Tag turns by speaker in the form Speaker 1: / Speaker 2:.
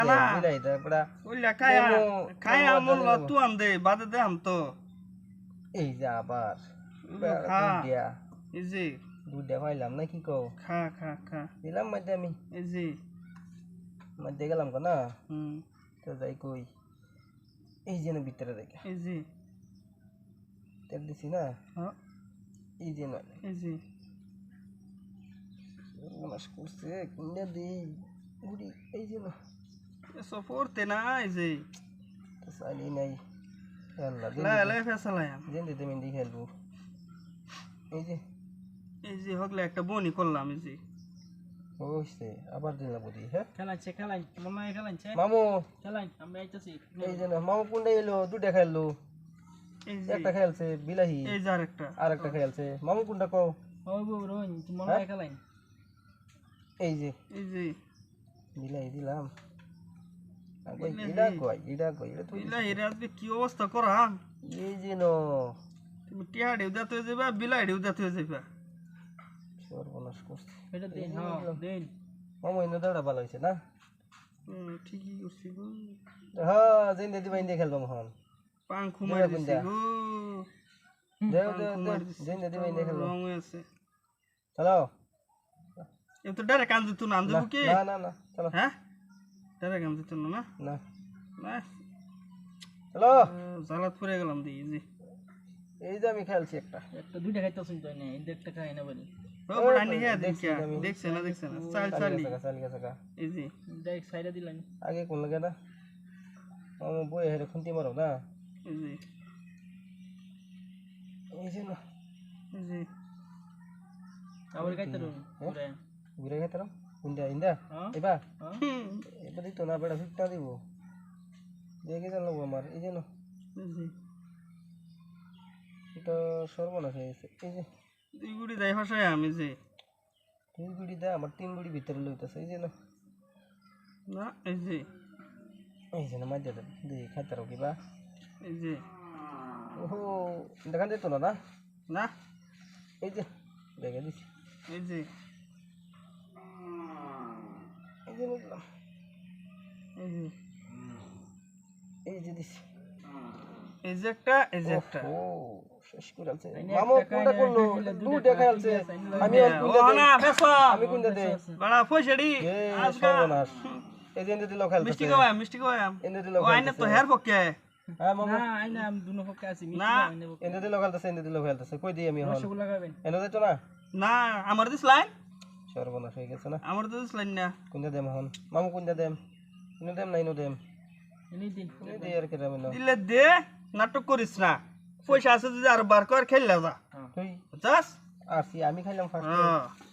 Speaker 1: না
Speaker 2: মিলাই দা পড়া
Speaker 1: ওইলা খায়া মূল্য তু আন দে বাদে দে আম তো
Speaker 2: এই যে আবার
Speaker 1: খা
Speaker 2: দিয়া
Speaker 1: এই যে
Speaker 2: দুধ পাইলাম না কি কও
Speaker 1: খা খা খা
Speaker 2: দিলাম মধ্যে আমি
Speaker 1: এই যে
Speaker 2: মধ্যে গেলাম না
Speaker 1: হুম
Speaker 2: তো যাই কই এই যে না ভিতরে দেখে
Speaker 1: এই যে
Speaker 2: তেল দিছি না
Speaker 1: হ্যাঁ
Speaker 2: এই যে না
Speaker 1: এই যে
Speaker 2: মাস করছে কিনে দিই গুড়ি এই যে না
Speaker 1: এসো পড়তে না এই যে
Speaker 2: তো চাইলেই নাই আল্লাহ
Speaker 1: লা লা ফেসালাম
Speaker 2: যেন দিতে মেন্দি খেলবো এই যে
Speaker 1: হগলে একটা বনি করলাম এই যে
Speaker 2: হইছে আবার দিন লাগবো দি হ্যাঁ
Speaker 3: খেলাইন মামা খেলাইছে
Speaker 2: মামু
Speaker 3: খেলাইন আমি আইতাছি
Speaker 2: এই যে না মামু কোনটা এলো দুটা খেললো
Speaker 1: এই যে
Speaker 2: একটা খেলছে বিলাহি
Speaker 1: এই যে
Speaker 2: আরেকটা খেলছে মামু কোনটা কও
Speaker 3: ও গো রোহিন তুমি মামা খেলাইন
Speaker 2: এই যে বিলাহি দিলাম আগে এটা কই এটা তুই
Speaker 1: বিলাই রে আজকে কি অবস্থা করাম
Speaker 2: এই যে নো
Speaker 1: তুমি টিয়া দেউদা তো যাবা বিলাই দেউদা তো যাবা
Speaker 2: সর্বনাশ করছে
Speaker 3: এটা দেন হ্যাঁ দেন
Speaker 2: মামু ইনো দাঁড়া ভালো হইছে না
Speaker 1: ঠিকই করছি গো
Speaker 2: হ্যাঁ যেন দিদি বাইন্দে খেলবাম হন
Speaker 1: পাং খুমাই দিছি গো
Speaker 2: দেও যেন দিদি বাইন্দে খেলবাম
Speaker 1: রং আছে
Speaker 2: চলো
Speaker 1: এ তো ডারে কান দিত না আনজু কি
Speaker 2: না চলো
Speaker 1: হ্যাঁ ডারে কান দিত না
Speaker 2: না
Speaker 1: না
Speaker 2: চলো
Speaker 1: জালাত পড়ে গেলাম দি জি
Speaker 2: এই যে আমি খেলছি একটা
Speaker 3: দুইটা খাইতাছুন তো না এই একটা খাই না বলি
Speaker 1: ও বড় নি হ্যাঁ দেখছ না চালি এই জি
Speaker 3: দেখ সাইডা দিলাম
Speaker 2: আগে কোন লাগে না মামু বই হেরে খুন্তি মারো না
Speaker 1: এই জি
Speaker 2: এই যে না
Speaker 1: এই জি
Speaker 3: আবার খাইতারো পুরা
Speaker 2: ঘুরে খেতাম ইন্দা এবার এবার দিত না বেড়া ফিটটা দিব দেখে জানলো আমার এই যে না
Speaker 1: এই জি
Speaker 2: এটা সর্বনাশ হয়ে গেছে এই যে
Speaker 1: দুই গুড়ি দেয় ভাষায় আমি যে
Speaker 2: তিন গুড়ি দেয় আমার তিন গুড়ি ভিতরে লইতেছে এই যে না
Speaker 1: না এই যে
Speaker 2: না মাঝে দিয়ে খাইতে রাখো কিবা
Speaker 1: এই যে
Speaker 2: ওহো দেখান যেত না না
Speaker 1: না
Speaker 2: এই যে দেখে দিছি
Speaker 1: এই যে
Speaker 2: বুঝলাম এই যে দিছি
Speaker 1: এই যে একটা
Speaker 2: ও শেষ করে আছে মামু কোনটা করলো দুটা খেলছে আমি
Speaker 1: না বেসা
Speaker 2: আমি কোনটা দে
Speaker 1: বড়া পয়সাড়ি
Speaker 2: আজকে সর্বনাশ এই যে দিল খেলতে
Speaker 1: মিষ্টি খাওয়াম
Speaker 2: এনে দিল
Speaker 1: ও আইনে তো হেয়ার পকে
Speaker 2: হ্যাঁ মামু
Speaker 3: না আইনা আমি দুনো পক্ষে আছি
Speaker 1: না
Speaker 2: এনে দিল খেলতেছে কই দিই আমি হন
Speaker 3: রসগোল্লা খাবেন
Speaker 2: এনে দিত না
Speaker 1: না আমার দিছলাই
Speaker 2: সর্বনাশ হয়ে গেছে না
Speaker 1: আমার তো দিছলাই না
Speaker 2: কোনটা দেম হন মামু কোনটা দেম ইনো দেম না ইনো দেম
Speaker 3: এনে দিন
Speaker 2: ইনো দে আর কেরাম না
Speaker 1: দিলে দে নাটক করিস না পয়সা আছে যদি আর বার কর খেললা যা
Speaker 2: তুই
Speaker 1: বুঝছস
Speaker 2: আসি আমি খাইলাম ফার্স্ট
Speaker 1: হ্যাঁ